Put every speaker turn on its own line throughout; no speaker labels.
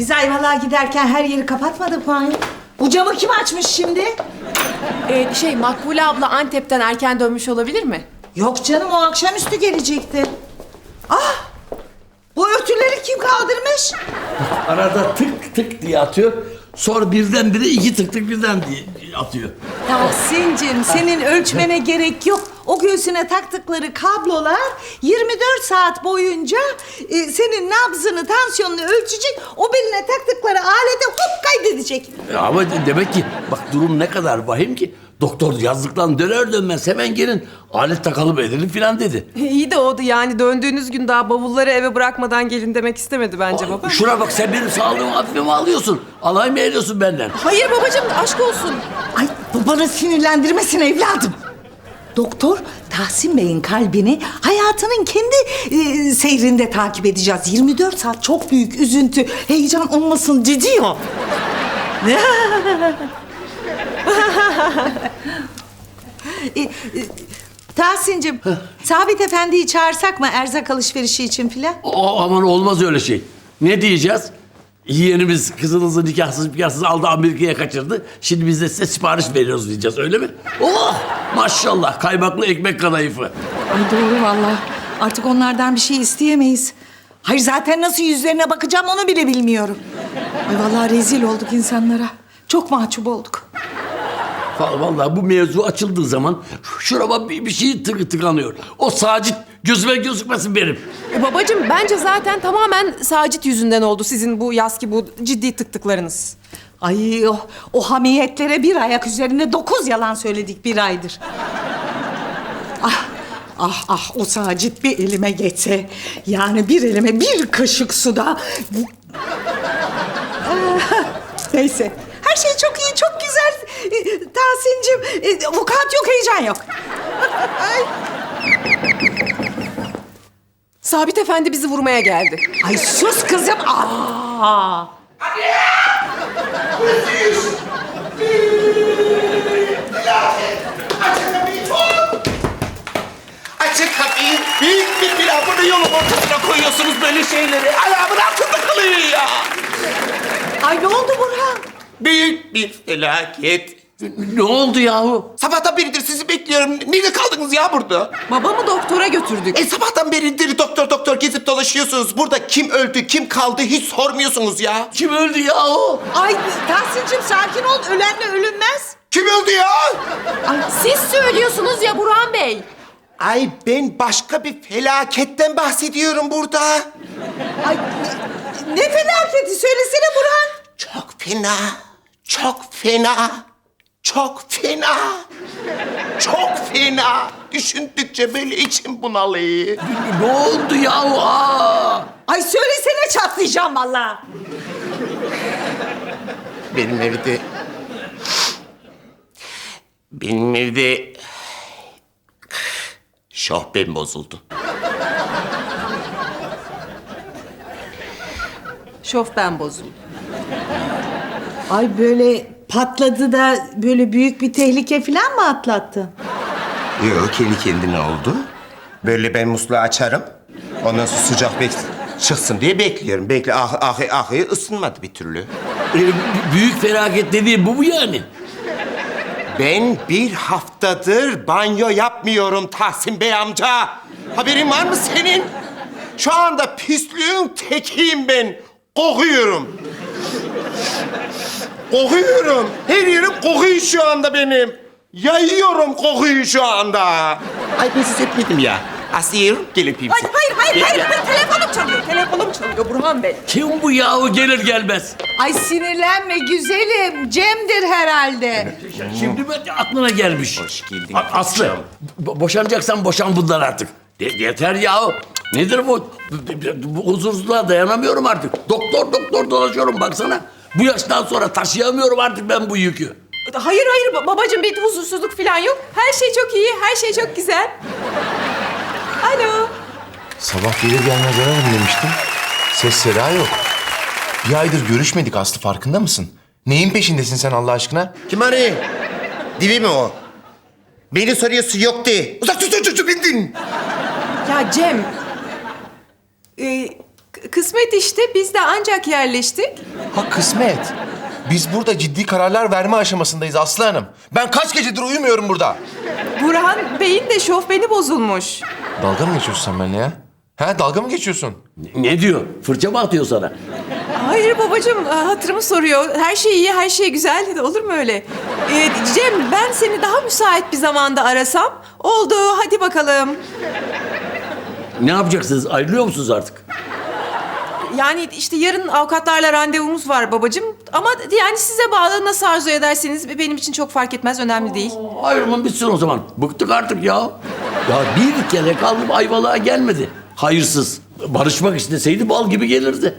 Biz Ayvalık'a giderken her yeri kapatmadık mı? Bu camı kim açmış şimdi?
Makbule abla Antep'ten erken dönmüş olabilir mi?
Yok canım, o akşamüstü gelecekti. Ah! Bu örtüleri kim kaldırmış?
Arada tık tık diye atıyor. Sonra birdenbire iki tık tık birden diye atıyor.
Tahsin'cim, senin ölçmene gerek yok. O göğsüne taktıkları kablolar 24 saat boyunca senin nabzını, tansiyonunu ölçecek. O beline taktıkları alete hop kaydedecek.
Ama demek ki bak durum ne kadar vahim ki. Doktor yazdıktan döner dönmez hemen gelin. Alet takalım edelim filan dedi.
İyi de oldu yani döndüğünüz gün daha bavulları eve bırakmadan gelin demek istemedi bence baba.
Şuna bak, sen benim sağlığımı hafife mi alıyorsun? Alay mı ediyorsun benden?
Hayır babacığım, aşk olsun.
Ay, babanı sinirlendirmesin evladım. Doktor, Tahsin Bey'in kalbini hayatının kendi seyrinde takip edeceğiz. 24 saat çok büyük üzüntü, heyecan olmasın diyor. Tahsin'cim, Sabit Efendi'yi çağırsak mı erzak alışverişi için filan?
Aman olmaz öyle şey. Ne diyeceğiz? Yeğenimiz kızınızı nikahsız aldı, Amerika'ya kaçırdı. Şimdi biz de size sipariş veriyoruz diyeceğiz, öyle mi? Oh! Maşallah, kaymaklı ekmek kadayıfı.
Ay doğru vallahi. Artık onlardan bir şey isteyemeyiz. Hayır, zaten nasıl yüzlerine bakacağım onu bile bilmiyorum. Ay vallahi rezil olduk insanlara. Çok mahcup olduk.
Vallahi bu mevzu açıldığı zaman şurama bir şey tıkanıyor. O Sacit gözüme gözükmesin benim.
Babacığım bence zaten tamamen Sacit yüzünden oldu sizin bu yazki bu ciddi tıktıklarınız.
Ay o hamiyetlere bir ayak üzerine 9 yalan söyledik bir aydır. Ah o Sacit bir elime geçse. Yani bir elime bir kaşık suda. Neyse. Her şey çok iyi, çok güzel. Tahsin'cim, vukuat yok, heyecan yok.
Sabit Efendi bizi vurmaya geldi.
Ay sus kızım. Aa!
Açın kapıyı. Büyük bir pilavını yolun ortasına koyuyorsunuz böyle şeyleri. Ayağımın altında kalıyor ya.
Ay ne oldu Burhan?
Büyük bir felaket.
Ne oldu yahu?
Sabahtan beridir sizi bekliyorum. Nerede kaldınız ya burada?
Babamı doktora götürdük.
Sabahtan beridir doktor gezip dolaşıyorsunuz. Burada kim öldü, kim kaldı hiç sormuyorsunuz ya.
Kim öldü yahu?
Ay Tahsin'cim sakin ol. Ölenle ölünmez.
Kim öldü ya?
Siz söylüyorsunuz ya Burhan Bey.
Ay ben başka bir felaketten bahsediyorum burada.
Ay ne felaketi söylesene Burhan.
Çok fena, çok fena, çok fena, çok fena. Düşündükçe böyle içim bunalıyor.
Ne oldu yahu? Aa!
Ay söylesene, çatlayacağım vallahi.
Benim evde şahbem bozuldu.
Şofben bozuldu.
Ay böyle patladı da böyle büyük bir tehlike falan mı atlattı?
Yok, kendi kendine oldu. Böyle ben musluğu açarım. Ondan sonra sıcak çıksın diye bekliyorum. Ahı ısınmadı bir türlü.
Büyük felaket dediğim bu mu yani?
Ben bir haftadır banyo yapmıyorum Tahsin Bey amca. Haberin var mı senin? Şu anda pisliğin tekiyim ben. Kokuyorum. Kokuyorum. Her yerim kokuyor şu anda benim. Yayıyorum kokuyu şu anda. Ay ben size etmedim ya. Asiye gel öpeyim seni.
Hayır. Telefonum çalıyor Burhan Bey.
Kim bu yahu gelir gelmez?
Ay sinirlenme güzelim. Cem'dir herhalde.
Şimdi mi aklına gelmiş?
Hoş geldin.
Aslı, boşanacaksan boşan bundan artık. Yeter yahu. Nedir bu? Bu huzursuzluğa dayanamıyorum artık. Doktor dolaşıyorum baksana. Bu yaştan sonra taşıyamıyorum artık ben bu yükü.
Hayır babacığım, bir huzursuzluk falan yok. Her şey çok iyi, her şey çok güzel. Alo.
Sabah gelir gelmez ararım demiştim. Ses seda yok. Bir aydır görüşmedik Aslı, farkında mısın? Neyin peşindesin sen Allah aşkına?
Kim arıyor? Divi mi o? Beni soruyorsun yok de. Uzak tut bindin.
Ya Cem. kısmet işte. Biz de ancak yerleştik.
Ha kısmet. Biz burada ciddi kararlar verme aşamasındayız Aslı Hanım. Ben kaç gecedir uyumuyorum burada.
Burhan Bey'in de şofbeni bozulmuş.
Dalga mı geçiyorsun sen benimle ya? Ha dalga mı geçiyorsun?
Ne diyor? Fırça mı atıyor sana?
Hayır babacığım, hatırımı soruyor. Her şey iyi, her şey güzel. Olur mu öyle? Cem, ben seni daha müsait bir zamanda arasam. Oldu, hadi bakalım.
Ne yapacaksınız? Ayrılıyor musunuz artık?
Yani işte yarın avukatlarla randevumuz var babacığım. Ama yani size bağlı, nasıl arzu ederseniz benim için çok fark etmez, önemli değil.
Ayrılın bitsin o zaman. Bıktık artık ya. Ya bir kere kaldım Ayvalık'a gelmedi. Hayırsız. Barışmak isteseydi bal gibi gelirdi.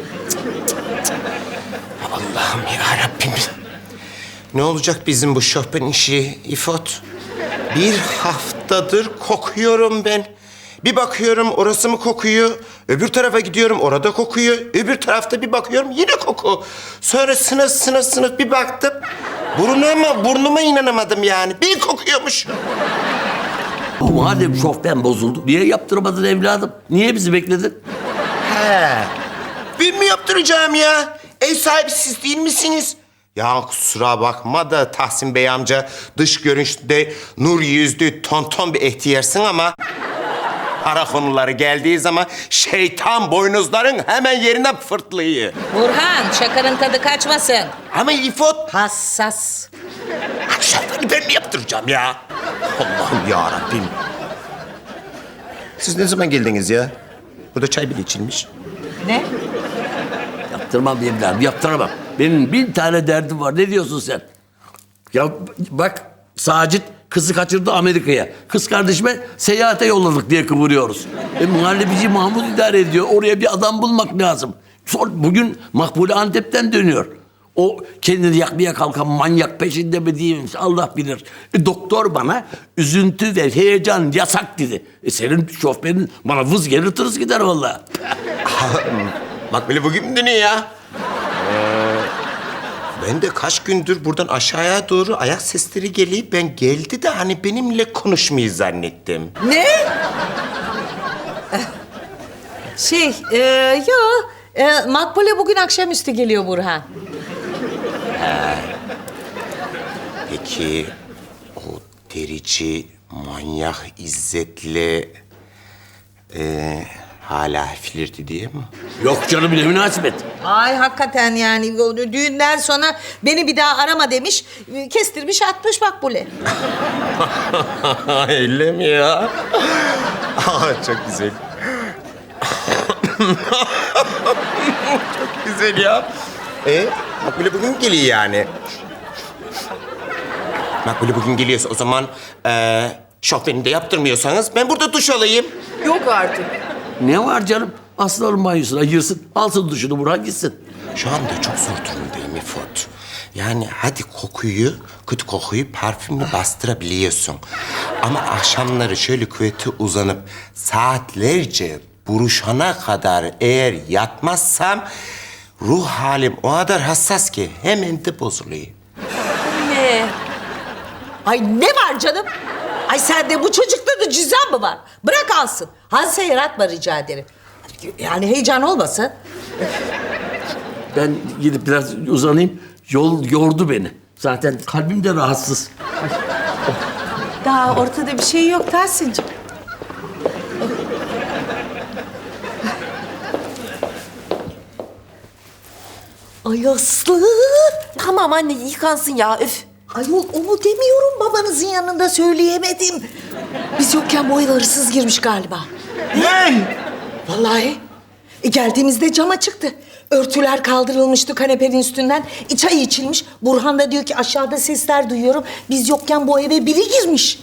Allah'ım ya Rabbim. Ne olacak bizim bu şofben işi İfot? Bir haftadır kokuyorum ben. Bir bakıyorum orası mı kokuyor? Öbür tarafa gidiyorum orada kokuyor. Öbür tarafta bir bakıyorum yine koku. Sonra sınıf bir baktım. Burnuma inanamadım yani. Bir kokuyormuş.
Madem şofben bozuldu, niye yaptırmadın evladım? Niye bizi bekledin?
He. Ben mi yaptıracağım ya? Ev sahibi siz değil misiniz? Ya kusura bakma da Tahsin Bey amca, dış görünüşte nur yüzlü tonton bir ihtiyarsın ama para konuları geldiği zaman şeytan boynuzların hemen yerinden fırtlıyor.
Burhan, şakanın tadı kaçmasın.
Ama İfot,
Hassas.
şoförü ben mi yaptıracağım ya? Allah'ım ya Rabbim. Siz ne zaman geldiniz ya? Burada çay bile içilmiş.
Ne?
Yaptırmam evladım, yaptıramam. Benim 1000 tane derdim var. Ne diyorsun sen? Ya bak, Sacit kızı kaçırdı Amerika'ya. Kız kardeşime seyahate yolladık diye kıvırıyoruz. Muhallebici Mahmut idare ediyor. Oraya bir adam bulmak lazım. Bugün Makbule Antep'ten dönüyor. O kendini yakmaya kalkan manyak peşinde mi diyeyim Allah bilir. Doktor bana üzüntü ve heyecan yasak dedi. Senin şoförün bana vız gelir tırıs gider vallahi.
Bak böyle bugün mü dönüyor ya? Ben de kaç gündür buradan aşağıya doğru ayak sesleri geliyor. Ben geldi de hani benimle konuşmayı zannettim.
Ne? Makbule bugün akşamüstü geliyor Burhan.
Peki o derici manyak İzzet'le hala flirti diye mi?
Yok canım ne münasebet.
Ay hakikaten yani o düğünden sonra beni bir daha arama demiş. Kestirmiş atmış Makbule.
Öyle mi ya? Çok güzel. Çok güzel ya. Makbule bugün geliyor yani. Makbule bugün geliyorsa o zaman şofbeni de yaptırmıyorsanız ben burada duş alayım.
Yok artık.
Ne var canım? Aslanın banyosuna girsin, alsın duşunu Burhan gitsin.
Şu anda çok zor durumdayım İfot. Yani hadi kötü kokuyu parfümle bastırabiliyorsun. Ama akşamları şöyle kuvvete uzanıp saatlerce buruşana kadar eğer yatmazsam ruh halim o kadar hassas ki hemen de bozuluyor.
Ne?
Ay ne var canım? Ay sende bu çocukta da cüzdan mı var? Bırak alsın. Hadise yaratma rica ederim. Yani heyecan olmasın.
Ben gidip biraz uzanayım. Yol yordu beni. Zaten kalbim de rahatsız.
Daha ortada bir şey yok Tahsin'cim. Ay Aslı.
Tamam anne, yıkansın ya, üf.
Ayol onu demiyorum babanızın yanında söyleyemedim. Biz yokken bu eve hırsız girmiş galiba.
Ne?
Vallahi. Geldiğimizde cama çıktı. Örtüler kaldırılmıştı kanepenin üstünden. Çay içilmiş. Burhan da diyor ki aşağıda sesler duyuyorum. Biz yokken bu eve biri girmiş.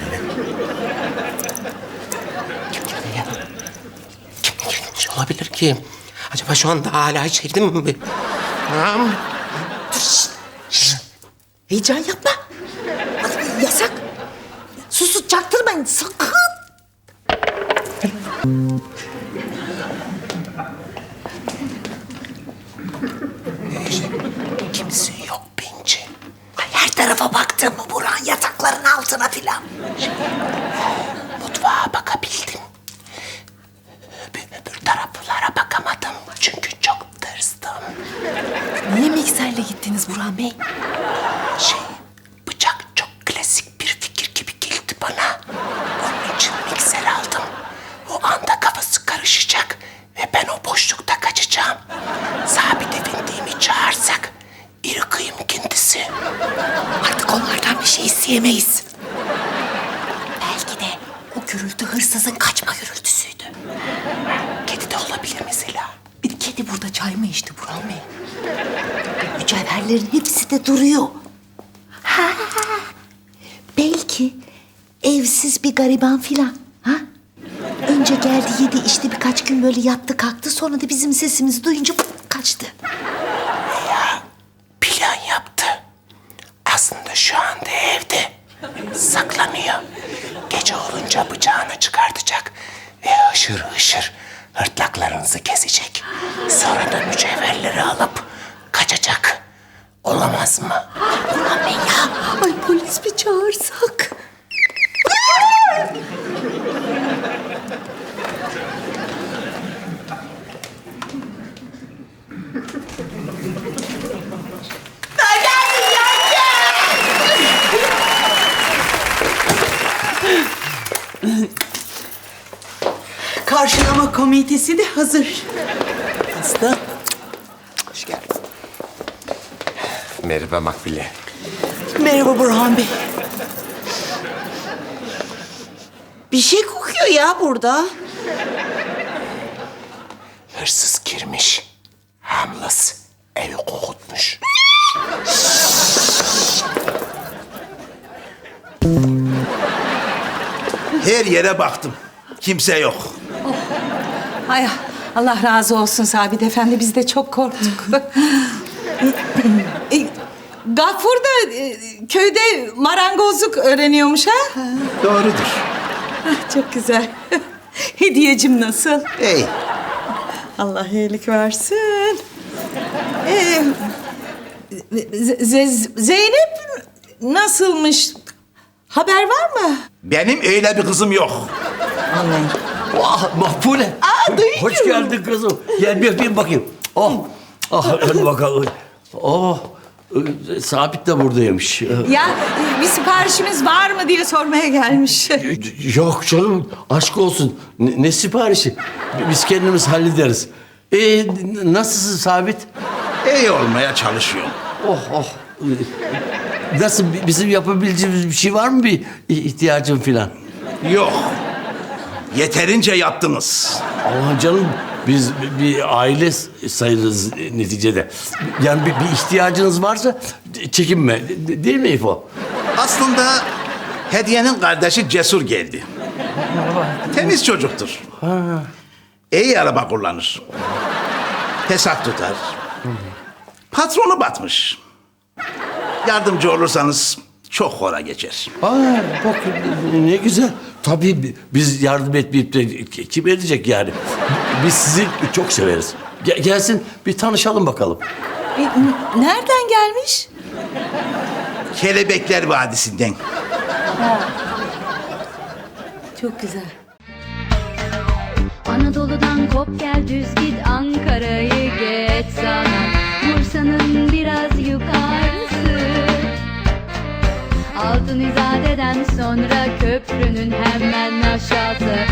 Kim girmiş olabilir ki? Acaba şu anda hala içeride mi? Tamam.
Heyecan yapma. Bak, yasak. Sus çaktırmayın sakın.
Kimse yok bence.
Ay, her tarafa baktım mı Burhan yatakların altına filan.
Mutfağa bakabildim. Öbür taraflara bakamadım.
onlardan bir şey isteyemeyiz. Belki de o gürültü hırsızın kaçma gürültüsüydü. Kedi de olabilir mesela. Bir kedi burada çay mı içti Burhan Bey?
Mücevherlerin hepsi de duruyor. Ha, belki evsiz bir gariban filan. Ha? Önce geldi yedi işte birkaç gün böyle yattı kalktı. Sonra da bizim sesimizi duyunca kaçtı.
Plan yaptı. Aslında şu anda evde. Saklanıyor. Gece olunca bıçağını çıkartacak. Ve hışır hışır hırtlaklarınızı kesecek. Sonra da mücevherleri alıp kaçacak. Olamaz mı?
Burhan Bey ya. Ay polis mi çağırsak?
Karşılama komitesi de hazır. Aslı.
Hoş geldin. Merhaba Makbule.
Merhaba Burhan Bey. Bir şey kokuyor ya burada.
Hırsız girmiş. Hamlas evi kokutmuş.
Her yere baktım. Kimse yok.
Ay Allah razı olsun Sabit Efendi. Biz de çok korktuk. Gafur da köyde marangozluk öğreniyormuş ha?
Doğrudur.
Çok güzel. Hediyecim nasıl?
Ey,
Allah iyilik versin. Zeynep nasılmış? Haber var mı?
benim öyle bir kızım yok.
Ah Makbule.
duyuyorum.
Hoş geldin kızım. Gel bir öpeyim bakayım. Oh. Ah hadi bakalım. Oh. Sabit de buradaymış.
Ya bir siparişimiz var mı diye sormaya gelmiş.
Yok canım aşk olsun. Ne siparişi? Biz kendimiz hallederiz. Nasılsın Sabit?
İyi olmaya çalışıyorum.
Oh oh. Nasıl bizim yapabileceğimiz bir şey var mı bir ihtiyacın filan?
Yok. Yeterince yaptınız.
Aman canım biz bir aile sayılırız neticede. Yani bir ihtiyacınız varsa çekinme. Değil mi İfo?
Aslında Hediye'nin kardeşi Cesur geldi. Temiz çocuktur. İyi araba kullanır. Hesap tutar. Patronu batmış. Yardımcı olursanız çok hora geçer.
Aa, bak ne güzel. Tabii biz yardım etmeyip de kim edecek yani? Biz sizi çok severiz. Gelsin bir tanışalım bakalım.
Nereden gelmiş?
Kelebekler Vadisi'nden.
Çok güzel.
Anadolu'dan kop gel düz git Ankara'yı geç sana Bursa'nın biraz yukarısı Altın İzade'den sonra köprünün hemen aşağısı